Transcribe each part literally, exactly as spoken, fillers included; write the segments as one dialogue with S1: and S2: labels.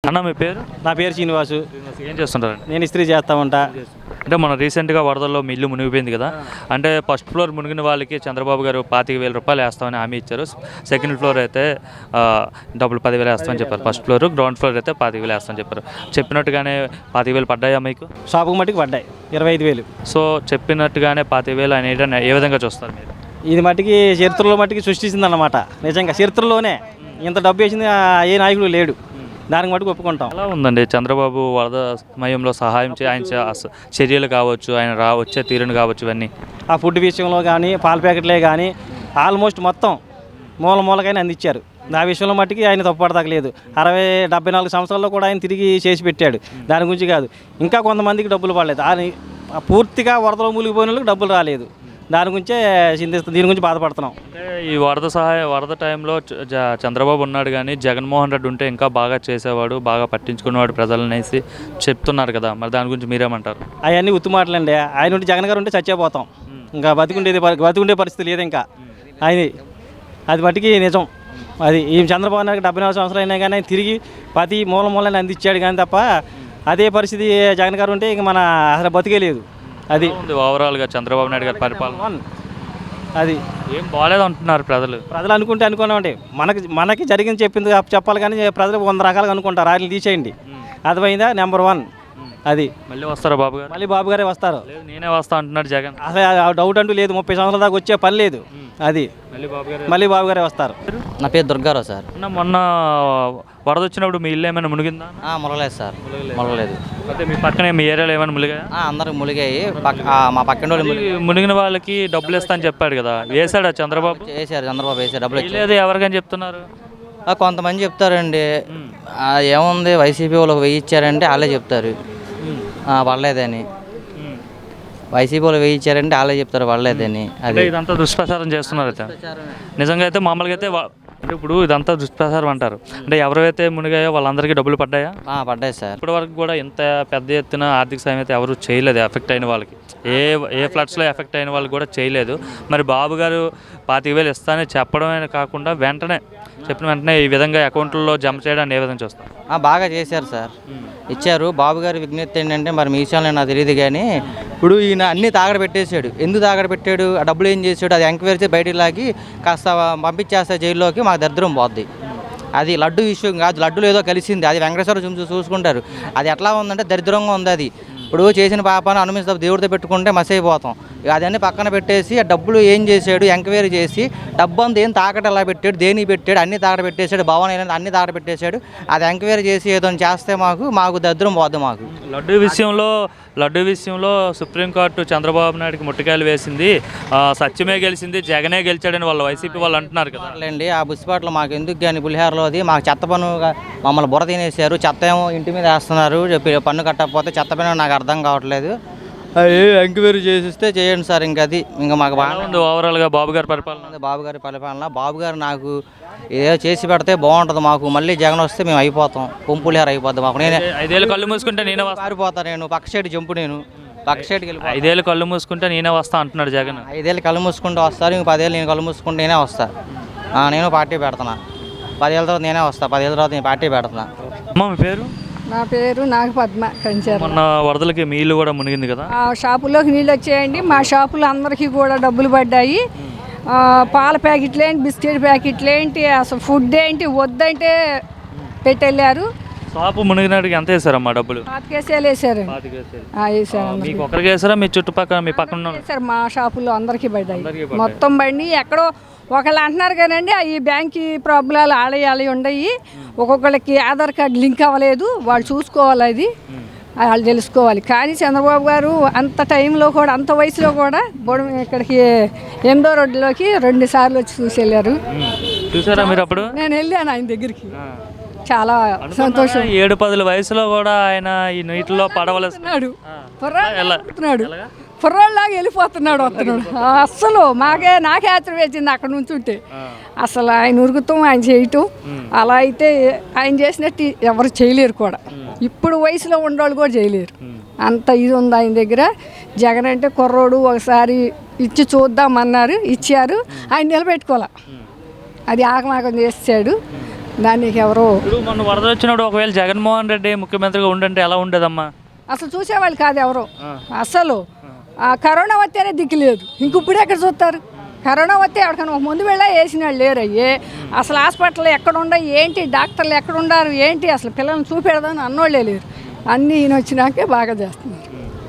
S1: అన్న మీ పేరు?
S2: నా పేరు శ్రీనివాసు.
S1: ఏం చేస్తుంటారు?
S2: నేను ఇస్త్రీ చేస్తా ఉంటా.
S1: అంటే మన రీసెంట్గా వరదల్లో మీ ఇల్లు మునిగిపోయింది కదా, అంటే ఫస్ట్ ఫ్లోర్ మునిగిన వాళ్ళకి చంద్రబాబు గారు పాతిక వేల రూపాయలు వేస్తామని హామీ ఇచ్చారు. సెకండ్ ఫ్లోర్ అయితే డబ్బులు పదివేలు వేస్తామని చెప్పారు. ఫస్ట్ ఫ్లోర్ గ్రౌండ్ ఫ్లోర్ అయితే పాతిక వేలు వేస్తామని చెప్పారు. చెప్పినట్టుగానే పాతిక వేలు పడ్డాయా మీకు?
S2: షాపుకు మట్టుకు పడ్డాయి ఇరవై ఐదు వేలు.
S1: సో చెప్పినట్టుగానే పాతిక వేలు అనేది ఏ విధంగా చూస్తారు మీరు?
S2: ఇది మట్టికి చరిత్రలో మట్టికి సృష్టించింది అన్నమాట. నిజంగా చరిత్రలోనే ఇంత డబ్బు వేసింది ఏ నాయకుడు లేడు. దానికి మటుకు ఒప్పుకుంటాం.
S1: ఎలా ఉందండి చంద్రబాబు వరద సమయంలో సహాయం చే ఆయన చర్యలు కావచ్చు, ఆయన రా వచ్చే తీరును కావచ్చు, ఇవన్నీ
S2: ఆ ఫుడ్ విషయంలో కానీ పాల ప్యాకెట్లే కానీ ఆల్మోస్ట్ మొత్తం మూల మూలకైనా అందించారు. ఆ విషయంలో మట్టికి ఆయన తప్పుపడతలేదు. అరవై డెబ్బై నాలుగు సంవత్సరాల్లో కూడా ఆయన తిరిగి చేసి పెట్టాడు. దాని గురించి కాదు, ఇంకా కొంతమందికి డబ్బులు పడలేదు. ఆయన పూర్తిగా వరదలో మూలిగిపోయిన వాళ్ళకి డబ్బులు రాలేదు. దాని గురించే చింతిస్తాం, దీని గురించి బాధపడుతున్నాం.
S1: అంటే ఈ వరద సహాయ వరద టైంలో చంద్రబాబు ఉన్నాడు కానీ జగన్మోహన్ రెడ్డి ఉంటే ఇంకా బాగా చేసేవాడు, బాగా పట్టించుకునేవాడు ప్రజలనేసి చెప్తున్నారు కదా, మరి దాని గురించి మీరేమంటారు?
S2: అవన్నీ ఉత్తు మాటలండి. ఆయన ఉంటే జగన్ గారు ఉంటే చచ్చిపోతాం. ఇంకా బతికుండేది బతికుండే పరిస్థితి లేదు. ఇంకా ఆయన అది మట్టికి నిజం. అది ఈ చంద్రబాబు నాయుడు డెబ్బై నాలుగు సంవత్సరాలు అయినా కానీ ఆయన తిరిగి ప్రతి మూల మూలని అందించాడు. కానీ తప్ప అదే పరిస్థితి జగన్ గారు ఉంటే ఇంక మన అసలు బతికే లేదు. అది
S1: ఓవరాల్గా చంద్రబాబు నాయుడు గారి పరిపాలన
S2: అది
S1: ఏం బాగాలేదు అంటున్నారు ప్రజలు.
S2: ప్రజలు అనుకుంటే అనుకున్నామండి, మనకి మనకి జరిగింది చెప్పింది చెప్పాలి కానీ ప్రజలు వంద రకాలుగా అనుకుంటారు. ఆయన తీసేయండి, అర్థమైందా? నెంబర్ వన్ అది.
S1: మళ్ళీ వస్తారా బాబు గారు?
S2: మళ్ళీ బాబు గారే వస్తారు.
S1: నేనే వస్తా అంటున్నాడు జగన్.
S2: అసలు డౌట్ అంటూ లేదు. ముప్పై సంవత్సరాల దాకా వచ్చే పని లేదు. అది
S1: మళ్ళీ బాబు గారు
S2: మళ్ళీ బాబు గారే వస్తారు.
S3: నా పేరు దుర్గారావు సార్.
S1: మొన్న వరద వచ్చినప్పుడు మీ ఇల్లు ఏమైనా మునిగిందా?
S3: మునగలేదు సార్, మునగలేదు.
S1: అంటే మీ పక్కనే మీ ఏరియాలో ఏమైనా మునిగాయా?
S3: అందరికి మునిగాయి. మా పక్కన వాళ్ళు
S1: మునిగిన వాళ్ళకి డబ్బులు ఇస్తా అని చెప్పాడు కదా, వేసాడా చంద్రబాబు?
S3: వేసారు, చంద్రబాబు వేసారు. డబ్బులు
S1: లేదు ఎవరికని చెప్తున్నారు?
S3: కొంతమంది చెప్తారండి, ఏముంది వైసీపీ వాళ్ళకి వెయ్యి ఇచ్చారంటే వాళ్ళే చెప్తారు పడలేదని. వైసీపీ వాళ్ళు వెయ్యి ఇచ్చారంటే వాళ్ళే చెప్తారు పడలేదని.
S1: అదే ఇదంతా దుష్ప్రచారం చేస్తున్నారు అయితే. నిజంగా అయితే మామూలుగా అయితే అంటే ఇప్పుడు ఇదంతా దుష్ప్రచారం అంటారు. అంటే ఎవరైతే మునిగాయో వాళ్ళందరికీ డబ్బులు పడ్డాయా?
S3: పడ్డాయి సార్.
S1: ఇప్పటి వరకు కూడా ఇంత పెద్ద ఎత్తున ఆర్థిక సాయం అయితే ఎవరు చేయలేదు ఎఫెక్ట్ అయిన వాళ్ళకి. ఏ ఏ ఫ్లడ్స్లో ఎఫెక్ట్ అయిన వాళ్ళు కూడా చేయలేదు. మరి బాబు గారు పాతిక వేలు ఇస్తానని చెప్పడమే కాకుండా వెంటనే చెప్పిన వెంటనే ఈ విధంగా అకౌంట్లో జమ చేయడానికి ఏ విధంగా చూస్తారు?
S3: బాగా చేశారు సార్, ఇచ్చారు. బాబు గారి విజ్ఞప్తి ఏంటంటే మరి మీ విషయంలో నాకు తెలియదు కానీ ఇప్పుడు ఈయన అన్నీ తాగడ పెట్టేశాడు. ఎందుకు తాగడ పెట్టాడు? ఆ డబ్బులు ఏం చేశాడు? అది ఎంక్వైరీ చేసి బయటికి లాగి కాస్త పంపించేస్తా జైల్లోకి, మాకు దరిద్రం పోద్ది. అది లడ్డు విషయం కాదు, లడ్డులో ఏదో కలిసింది. అది వెంకటేశ్వర చూసి చూసుకుంటారు. అది ఎట్లా ఉందంటే దరిద్రంగా ఉంది. అది ఇప్పుడు చేసిన పాపాన్ని అనుమతి దేవుడితో పెట్టుకుంటే మసి అయిపోతాం. అదన్నీ పక్కన పెట్టేసి ఆ డబ్బులు ఏం చేశాడు ఎంక్వైరీ చేసి డబ్బు అంతా ఏం తాకట ఎలా పెట్టాడు, దేనికి పెట్టాడు, అన్ని తాకట పెట్టేశాడు, భవన్ అయినా అన్ని తాకట పెట్టేశాడు. అది ఎంక్వైరీ చేసి ఏదో చేస్తే మాకు మాకు దరిద్రం పోద్ది. మాకు
S1: లడ్డు విషయంలో లడ్డు విషయంలో సుప్రీంకోర్టు చంద్రబాబు నాయుడుకి ముట్టికాయలు వేసింది, సత్యమే గెలిచింది, జగనే గెలిచాడని వాళ్ళు వైసీపీ వాళ్ళు అంటున్నారు కదా.
S3: అండి ఆ బుచ్చిపాట్లు మాకు ఎందుకు కానీ పులిహారలోది మాకు చెత్త పన్ను మమ్మల్ని బుర్ర తినేసారు. చెత్త ఏమో ఇంటి మీద వేస్తున్నారు, చెప్పి పన్ను కట్టకపోతే చెత్త పన్ను నాకు అర్థం కావట్లేదు. ఎంక్వైరీ చేసిస్తే చేయండి సార్. ఇంకా అది ఇంకా మాకు బాగా
S1: ఉంది ఓవరాల్గా బాబు గారి పరిపాలన.
S3: బాబు గారి పరిపాలన బాబు గారు నాకు ఏదో చేసి పెడితే బాగుంటుంది. మాకు మళ్ళీ జగన్ వస్తే మేము అయిపోతాం, పొంపులేరు అయిపోద్ది మాకు. నేనే
S1: ఐదేళ్ళు కళ్ళు మూసుకుంటే నేనే
S3: పారిపోతా, నేను పక్క సైడ్ జంపు, నేను పక్క సైడ్కి వెళ్ళి
S1: ఐదేళ్ళు కళ్ళు మూసుకుంటే నేనే వస్తా అంటున్నాడు జగన్.
S3: ఐదేళ్ళు కళ్ళు మూసుకుంటూ వస్తారు, ఇంక పదేళ్ళు నేను కళ్ళు మూసుకుంటే నేనే వస్తా. నేను పార్టీ పెడుతున్నా. పదేళ్ళ తర్వాత నేనే వస్తా, పదేళ్ళ తర్వాత నేను పార్టీ పెడుతున్నా.
S1: అమ్మ మీ పేరు?
S4: నా పేరు నాగపద్మ కంచారు.
S1: మొన్న వరదలకి మీ ఇల్లు కూడా మునిగింది కదా,
S4: ఆ షాపుల్లోకి నీళ్ళు వచ్చాయండి. మా షాపులో అందరికీ కూడా డబ్బులు పడ్డాయి. పాల ప్యాకెట్లు ఏంటి, బిస్కెట్ ప్యాకెట్లు ఏంటి, అసలు ఫుడ్ ఏంటి వద్దంటే పెట్టెళ్ళారు.
S1: షాపు మునిగినాడికి ఎంత వేసారమ్మా డబ్బులు?
S4: పాతికేసేలు వేసారు. వేసారు
S1: మీకు ఒకరికి వేసారా మీ చుట్టుపక్కల మీ పక్కన
S4: వేసారు? మా షాపుల్లో అందరికీ పడ్డాయి మొత్తం బండి. ఎక్కడో ఒకళ్ళు అంటున్నారు కానండి ఈ బ్యాంక్ ప్రాబ్లాలు ఆలయాలు ఉండయి, ఒక్కొక్కళ్ళకి ఆధార్ కార్డు లింక్ అవ్వలేదు, వాళ్ళు చూసుకోవాలి, అది వాళ్ళు తెలుసుకోవాలి. కానీ చంద్రబాబు గారు అంత టైంలో కూడా అంత వయసులో కూడా బొడ ఇక్కడికి ఎనిమిదో రోడ్డులోకి రెండు సార్లు వచ్చి చూసి వెళ్ళారు.
S1: చూసారా మీరు అప్పుడు?
S4: నేను వెళ్ళాను ఆయన దగ్గరికి, చాలా సంతోషం.
S1: ఏడు పదుల వయసులో కూడా ఆయన ఈ నీటిలో పడవలేస్తున్నాడు,
S4: కుర్రోళ్ళలాగా వెళ్ళిపోతున్నాడు, వస్తున్నాడు. అస్సలు మాకే నాకే ఆశ్చర్యం వేసింది అక్కడ నుంచి ఉంటే. అసలు ఆయన ఉరుకుతాం, ఆయన చేయటం, అలా అయితే ఆయన చేసినట్టు ఎవరు చేయలేరు కూడా. ఇప్పుడు వయసులో ఉండేవాళ్ళు కూడా చేయలేరు, అంత ఇది ఉంది ఆయన దగ్గర. జగన్ అంటే కుర్రోడు, ఒకసారి ఇచ్చి చూద్దామన్నారు, ఇచ్చారు, ఆయన నిలబెట్టుకోలే, అది ఆకమాకం చేసాడు. దానికి ఎవరో
S1: ఇప్పుడు మొన్న వరద వచ్చినప్పుడు ఒకవేళ జగన్మోహన్ రెడ్డి ముఖ్యమంత్రిగా ఉండంటే ఎలా ఉండేదమ్మా?
S4: అసలు చూసేవాళ్ళు కాదు ఎవరు అసలు. ఆ కరోనా వస్తేనే దిక్కు లేదు, ఇంక ఇప్పుడు ఎక్కడ చూస్తారు? కరోనా వస్తే ఎవరికైనా ఒక ముందు వెళ్ళా వేసిన వాళ్ళు లేరు. అయ్యే అసలు హాస్పిటల్ ఎక్కడ ఉండవు ఏంటి, డాక్టర్లు ఎక్కడ ఉండారు ఏంటి, అసలు పిల్లల్ని చూపెడదామని అన్నోళ్ళే లేరు. అన్నీ ఈయన వచ్చినాకే బాగా చేస్తున్నారు.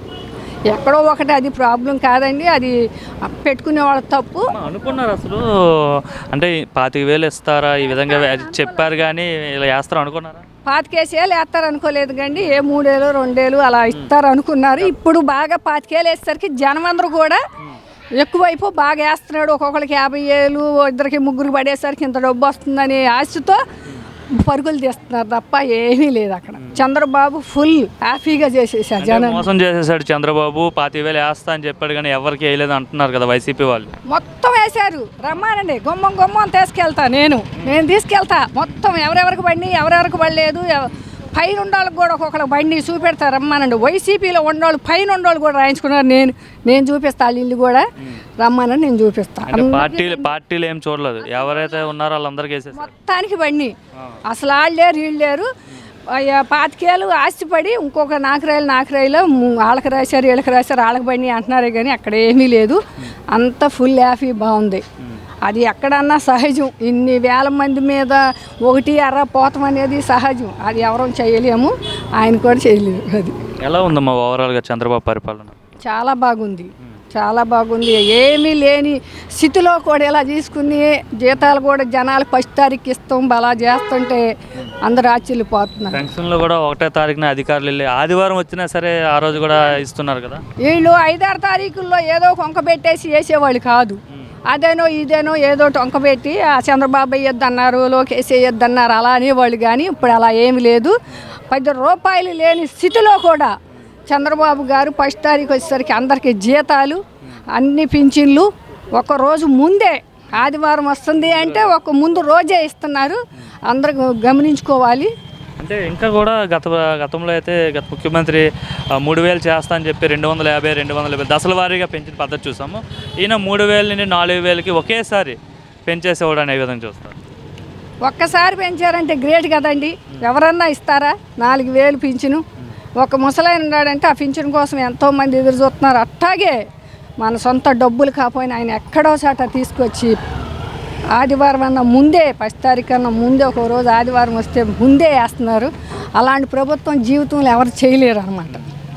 S4: ఎక్కడో ఒకటి అది ప్రాబ్లం కాదండి, అది పెట్టుకునే వాళ్ళ తప్పు.
S1: అనుకున్నారు అసలు అంటే పాతిక వేలు ఇస్తారా ఈ విధంగా చెప్పారు కానీ ఇలా వేస్తారా అనుకున్నారా?
S4: పాతికేసేలు వేస్తారు అనుకోలేదు కండి, ఏ మూడేళ్ళు రెండేళ్ళు అలా ఇస్తారు అనుకున్నారు. ఇప్పుడు బాగా పాతికేలు వేసేసరికి జనం అందరూ కూడా ఎక్కువైపు బాగా వేస్తున్నాడు. ఒక్కొక్కరికి యాభై ఏళ్ళు ఇద్దరికి ముగ్గురికి పడేసరికి ఇంత డబ్బు వస్తుందని ఆశతో పరుగులు తీస్తున్నారు తప్ప ఏమీ లేదు అక్కడ. చంద్రబాబు ఫుల్ హ్యాపీగా చేసేసారు, జనం
S1: మోసం చేసేసాడు చంద్రబాబు. పాతిక వేలు వేస్తా అని చెప్పాడు కానీ ఎవరికి వేయలేదు అంటున్నారు కదా వైసీపీ వాళ్ళు.
S4: మొత్తం వేశారు. రమ్మానండి, గుమ్మం గుమ్మం తీసుకెళ్తా, నేను నేను తీసుకెళ్తా మొత్తం. ఎవరెవరికి బండి ఎవరెవరికి పడలేదు, పైన ఉండోళ్ళకి కూడా ఒక్కొక్కరికి బండి చూపెడతారు. రమ్మానండి, వైసీపీలో ఉండోళ్ళు పైన ఉండోళ్ళు కూడా రాయించుకున్నారు. నేను నేను చూపిస్తా వాళ్ళ ఇల్లు కూడా, రమ్మానని నేను చూపిస్తాను.
S1: పార్టీలు పార్టీలు ఏం చూడలేదు, ఎవరైతే ఉన్నారో వాళ్ళందరికీ వేసేసారు
S4: మొత్తానికి బండి. అసలు వాళ్ళు లేరు వీళ్ళు లేరు. పాతికేళ్ళు ఆస్తిపడి ఇంకొక నాకరాయిలు నాకరాయిలో వాళ్ళకి రాశారు వీళ్ళకి రాశారు వాళ్ళకి బండి అంటున్నారే కానీ అక్కడ ఏమీ లేదు. అంత ఫుల్ హ్యాపీ బాగుంది. అది ఎక్కడన్నా సహజం. ఇన్ని వేల మంది మీద ఒకటి ఎర్ర పోతం అనేది సహజం. అది ఎవరూ చేయలేము, ఆయన కూడా చేయలేము. అది
S1: ఎలా ఉందమ్మా ఓవరాల్గా చంద్రబాబు పరిపాలన?
S4: చాలా బాగుంది, చాలా బాగుంది. ఏమీ లేని స్థితిలో కూడా ఇలా తీసుకుని జీతాలు కూడా జనాలు ఫస్ట్ తారీఖు ఇస్తాం అలా చేస్తుంటే అందరు ఆశ్చర్యపోతున్నారు.
S1: పెన్షన్లో కూడా ఒకటో తారీఖున అధికారులు వెళ్ళి ఆదివారం వచ్చినా సరే ఆ రోజు కూడా ఇస్తున్నారు కదా.
S4: వీళ్ళు ఐదారు తారీఖుల్లో ఏదో కొంక పెట్టేసి వేసేవాళ్ళు కాదు. అదేనో ఇదేనో ఏదో టొంక పెట్టి ఆ చంద్రబాబు వేయొద్దు అన్నారు, లోకేష్ వేయొద్దు అన్నారు అలా అనేవాళ్ళు. కానీ ఇప్పుడు అలా ఏమి లేదు. పది రూపాయలు లేని స్థితిలో కూడా చంద్రబాబు గారు ఫస్ట్ తారీఖు వచ్చేసరికి అందరికీ జీతాలు అన్ని పింఛన్లు ఒక రోజు ముందే, ఆదివారం వస్తుంది అంటే ఒక ముందు రోజే ఇస్తున్నారు. అందరూ గమనించుకోవాలి.
S1: అంటే ఇంకా కూడా గత గతంలో అయితే గత ముఖ్యమంత్రి మూడు వేలు చేస్తా అని చెప్పి రెండు వందల యాభై రెండు వందల యాభై దశల వారీగా పెంచిన పద్ధతి చూసాము. ఈయన మూడు వేల నుండి నాలుగు వేలకి ఒకేసారి పెంచేసేవాడు అనే విధంగా చూస్తారు.
S4: ఒక్కసారి పెంచారంటే గ్రేట్ కదండి. ఎవరన్నా ఇస్తారా నాలుగు వేలు పింఛను? ఒక ముసలాయన ఉన్నాడంటే ఆ పింఛన్ కోసం ఎంతోమంది ఎదురు చూస్తున్నారు. అట్టాగే మన సొంత డబ్బులు కాకపోయినా ఆయన ఎక్కడో చాట తీసుకొచ్చి ఆదివారం అన్న ముందే ఫస్ట్ తారీఖు అన్న ముందే ఒక రోజు ఆదివారం వస్తే ముందే వేస్తున్నారు. అలాంటి ప్రభుత్వం జీవితంలో ఎవరు చేయలేరు అనమాట.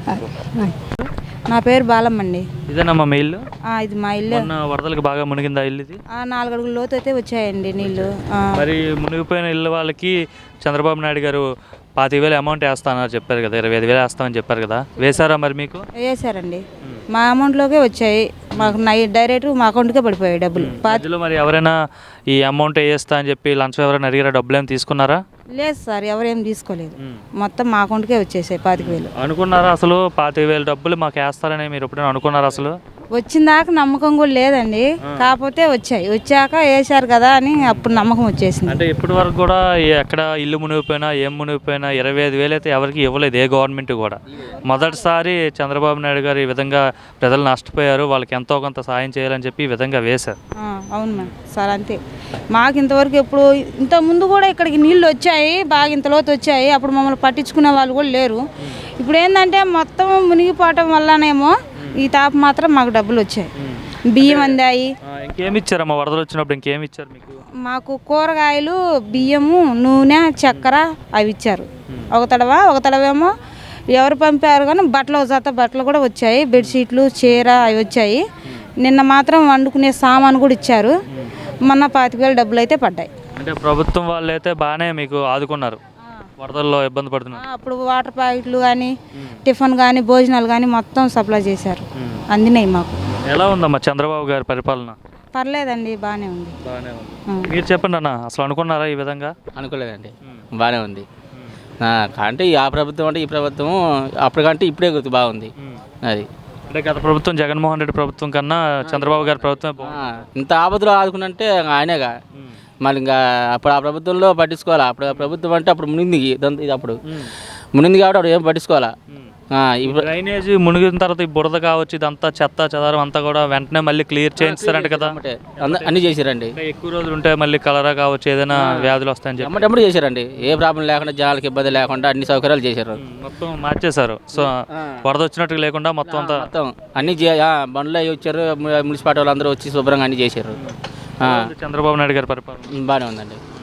S5: నా పేరు బాలమ్మ అండి.
S1: ఇదేనమ్మా మీ ఇల్లు?
S5: ఇది మా ఇల్లు.
S1: వరదలకు బాగా మునిగిందా ఇల్లు? ఇది
S5: నాలుగు అడుగుల లోతు అయితే వచ్చాయండి నీళ్ళు.
S1: మరి మునిగిపోయిన ఇల్లు వాళ్ళకి చంద్రబాబు నాయుడు గారు పాతిక వేలు అమౌంట్ వేస్తానని చెప్పారు కదా, ఇరవై ఐదు వేలు వేస్తామని చెప్పారు కదా, వేశారా మరి మీకు?
S5: వేశారండి, మా అమౌంట్లోకే వచ్చాయి. మాకు నై డైరెక్ట్ మా అకౌంట్కే పడిపోయాయి డబ్బులు.
S1: పాతిలో మరి ఎవరైనా ఈ అమౌంట్ వేస్తా అని చెప్పి లంచం ఎవరైనా అడిగారా, డబ్బులు ఏమి తీసుకున్నారా?
S5: లేదు సార్, ఎవరేం తీసుకోలేదు. మొత్తం మా అకౌంట్కే వచ్చేసాయి పాతిక వేలు.
S1: అనుకున్నారా అసలు పాతిక వేలు డబ్బులు మాకు వేస్తారని మీరు ఎప్పుడైనా అనుకున్నారా? అసలు
S5: వచ్చిందాక నమ్మకం కూడా లేదండి, కాకపోతే వచ్చాయి. వచ్చాక వేసారు కదా అని అప్పుడు నమ్మకం వచ్చేసింది.
S1: అంటే ఇప్పటి వరకు కూడా ఎక్కడ ఇల్లు మునిగిపోయినా ఏం మునిగిపోయినా ఇరవై ఐదు వేలు అయితే ఎవరికి ఇవ్వలేదు, ఏ గవర్నమెంట్ కూడా. మొదటిసారి చంద్రబాబు నాయుడు గారు ఈ విధంగా ప్రజలు నష్టపోయారు, వాళ్ళకి ఎంతో కొంత సాయం చేయాలని చెప్పి ఈ విధంగా వేశారు.
S5: అవును మ్యామ్ సార్, అంతే. మాకు ఇంతవరకు ఎప్పుడు ఇంత ముందు కూడా ఇక్కడికి నీళ్ళు వచ్చాయి, బాగా ఇంత లోతు వచ్చాయి. అప్పుడు మమ్మల్ని పట్టించుకునే వాళ్ళు కూడా లేరు. ఇప్పుడు ఏంటంటే మొత్తం మునిగిపోవటం వల్లనేమో ఈ తాప మాత్రం మాకు డబ్బులు వచ్చాయి, బియ్యం అందాయి.
S1: ఇంకేమి ఇచ్చారమ్మా వరదలు వచ్చినప్పుడు? ఇంకేమి ఇచ్చారు మీకు?
S5: మాకు కూరగాయలు, బియ్యము, నూనె, చక్కెర అవి ఇచ్చారు. ఒక తడవ ఒక తడవేమో ఎవరు పంపారు కానీ బట్టలు జత బట్టలు కూడా వచ్చాయి, బెడ్షీట్లు, చీర అవి వచ్చాయి. నిన్న మాత్రం వండుకునే సామాను కూడా ఇచ్చారు. మొన్న పాతిక వేలు డబ్బులు అయితే పడ్డాయి.
S1: అంటే ప్రభుత్వం వాళ్ళు అయితే బాగానే మీకు ఆదుకున్నారు, వరదల్లో ఇబ్బంది పడుతున్నారు.
S5: అప్పుడు వాటర్ ప్యాకెట్లు కానీ టిఫిన్ కానీ భోజనాలు కానీ మొత్తం సప్లై చేశారు, అందినాయి మాకు.
S1: ఎలా ఉందమ్మా చంద్రబాబు గారి పరిపాలన?
S5: పర్లేదండి, బాగానే ఉంది.
S1: బాగానే ఉంది. మీరు చెప్పండి అన్న, అసలు అనుకున్నారా ఈ విధంగా?
S6: అనుకోలేదండి, బాగానే ఉంది. అంటే ఆ ప్రభుత్వం అంటే ఈ ప్రభుత్వం అప్పటికంటే ఇప్పుడే బాగుంది. అది
S1: అంటే గత ప్రభుత్వం జగన్మోహన్ రెడ్డి ప్రభుత్వం కన్నా చంద్రబాబు గారి ప్రభుత్వం
S6: ఇంత ఆపదలో ఆదుకున్నంటే ఆయనేగా. మళ్ళీ ఇంకా అప్పుడు ఆ ప్రభుత్వంలో పట్టించుకోవాలా. అప్పుడు ప్రభుత్వం అంటే అప్పుడు మునింది, ఇది అప్పుడు మునింది కాబట్టి అప్పుడు ఏం పట్టించుకోవాలా. ఆ, ఇప్పుడు
S1: డ్రైనేజ్ మునిగిన తర్వాత ఈ బురద కావచ్చు ఇదంతా చెత్త చెదారం అంతా కూడా వెంటనే మళ్ళీ క్లియర్ చేయిస్తారంట కదా.
S6: అంటే అంద- అన్నీ చేశారండి.
S1: అంటే ఎక్కువ రోజులు ఉంటే మళ్ళీ కలరా కావచ్చు ఏదైనా వ్యాధులు వస్తాయని చెప్పి
S6: ఎమ్మటెమ్మటి చేశారండి. ఏ ప్రాబ్లం లేకుండా జనాలకు ఇబ్బంది లేకుండా అన్ని సౌకర్యాలు చేశారు.
S1: మొత్తం మార్చేశారు. సో వరద వచ్చినట్టు లేకుండా మొత్తం అంతా
S6: మొత్తం అన్ని చే- ఆ, బండ్లు అవి వచ్చారు, ము- మున్సిపాలిటీ వాళ్ళు అందరూ వచ్చి శుభ్రంగా అన్ని చేశారు.
S1: చంద్రబాబు నాయుడు గారి పరిపాలన
S6: బాగానే ఉందండి.